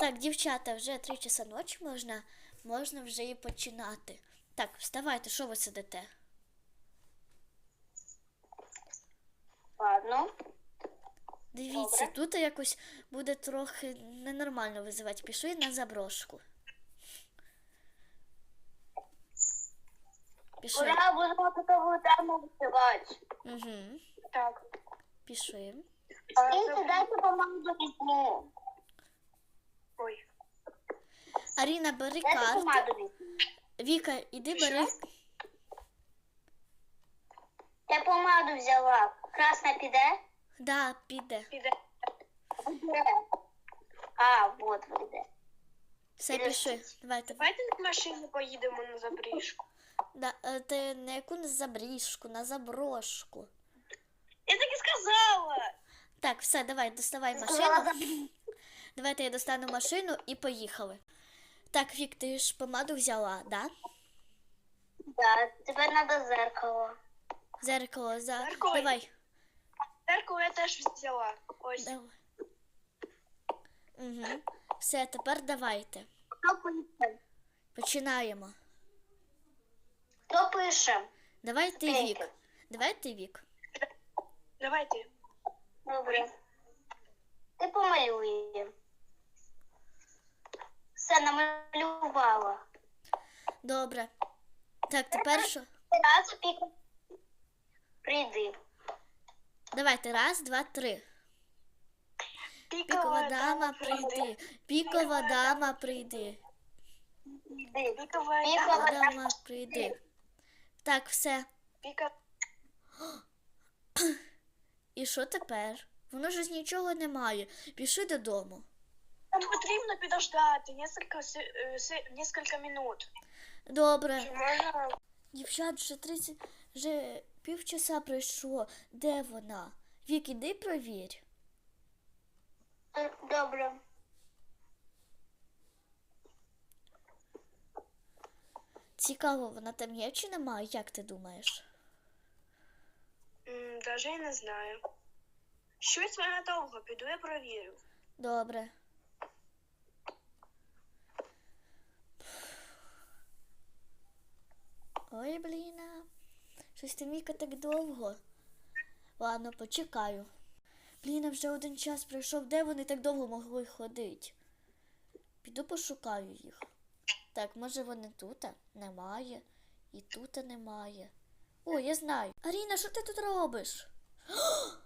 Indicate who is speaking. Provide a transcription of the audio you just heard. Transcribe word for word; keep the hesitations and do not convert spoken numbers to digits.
Speaker 1: Так, дівчата, вже три часа ночі можна, можна вже і починати. Так, вставайте, що ви сидите?
Speaker 2: Ладно.
Speaker 1: Дивіться,
Speaker 2: Добре.
Speaker 1: тут якось буде трохи ненормально визивати. Пішли на заброшку. Пішли.
Speaker 2: Ура, будемо такову тему висувати.
Speaker 1: Угу.
Speaker 2: Так.
Speaker 1: Пішли.
Speaker 2: Скиньте, дайте помаду візьму. Ой.
Speaker 1: Аріна, бери
Speaker 2: Дайте
Speaker 1: карти.
Speaker 2: помаду візьму.
Speaker 1: Віка, іди бери.
Speaker 2: Я помаду взяла. Красна піде?
Speaker 1: Да, піде.
Speaker 2: Піде. Піде. А, вот вийде.
Speaker 1: Все, пішли. Давайте.
Speaker 2: Давайте на машині поїдемо на забріжку.
Speaker 1: Да, е, ти на яку на забріжку, на заброшку.
Speaker 2: Я так і сказала.
Speaker 1: Так, все, давай, доставай машину. Давайте я достану машину і поїхали. Так, Вік, ти ж помаду взяла, да?
Speaker 2: Да, тепер треба зеркало.
Speaker 1: Зеркало, за...
Speaker 2: Зеркало.
Speaker 1: Давай.
Speaker 2: Зеркало я теж взяла. Ось.
Speaker 1: Давай. Угу. Все, тепер давайте.
Speaker 2: Хто пише?
Speaker 1: Починаємо.
Speaker 2: Хто пише?
Speaker 1: Давай ти,
Speaker 2: Скільки?
Speaker 1: Вік. Давай ти, Вік.
Speaker 2: Давайте. Добре. Ти помалює. Все, намалювала.
Speaker 1: Добре. Так, тепер що?
Speaker 2: Раз, пік. Прийди.
Speaker 1: Давайте, раз, два, три. Пікова дама, прийди. Пікова дама, прийди.
Speaker 2: Прийди.
Speaker 1: Пікова
Speaker 2: Пікова
Speaker 1: дама, прийди. Так, все.
Speaker 2: Піка.
Speaker 1: І що тепер? Воно ж нічого немає. Пішли додому.
Speaker 2: Нам потрібно підождати кілька, кілька минут.
Speaker 1: Добре.
Speaker 2: Можна?
Speaker 1: Дівчат, вже тридцять, вже півчаса пройшло. Де вона? Вік, іди провір.
Speaker 2: Добре.
Speaker 1: Цікаво, вона там є чи немає? Як ти думаєш?
Speaker 2: Даже і не знаю. Щось вона довго, піду я провірю.
Speaker 1: Добре. Ой, бліна. Щось там Віка так довго. Ладно, почекаю. Бліна, вже один час пройшов. Де вони так довго могли ходити? Піду пошукаю їх. Так, може вони тут? Немає. І тут немає. О, я знаю. Аріна, що ти тут робиш?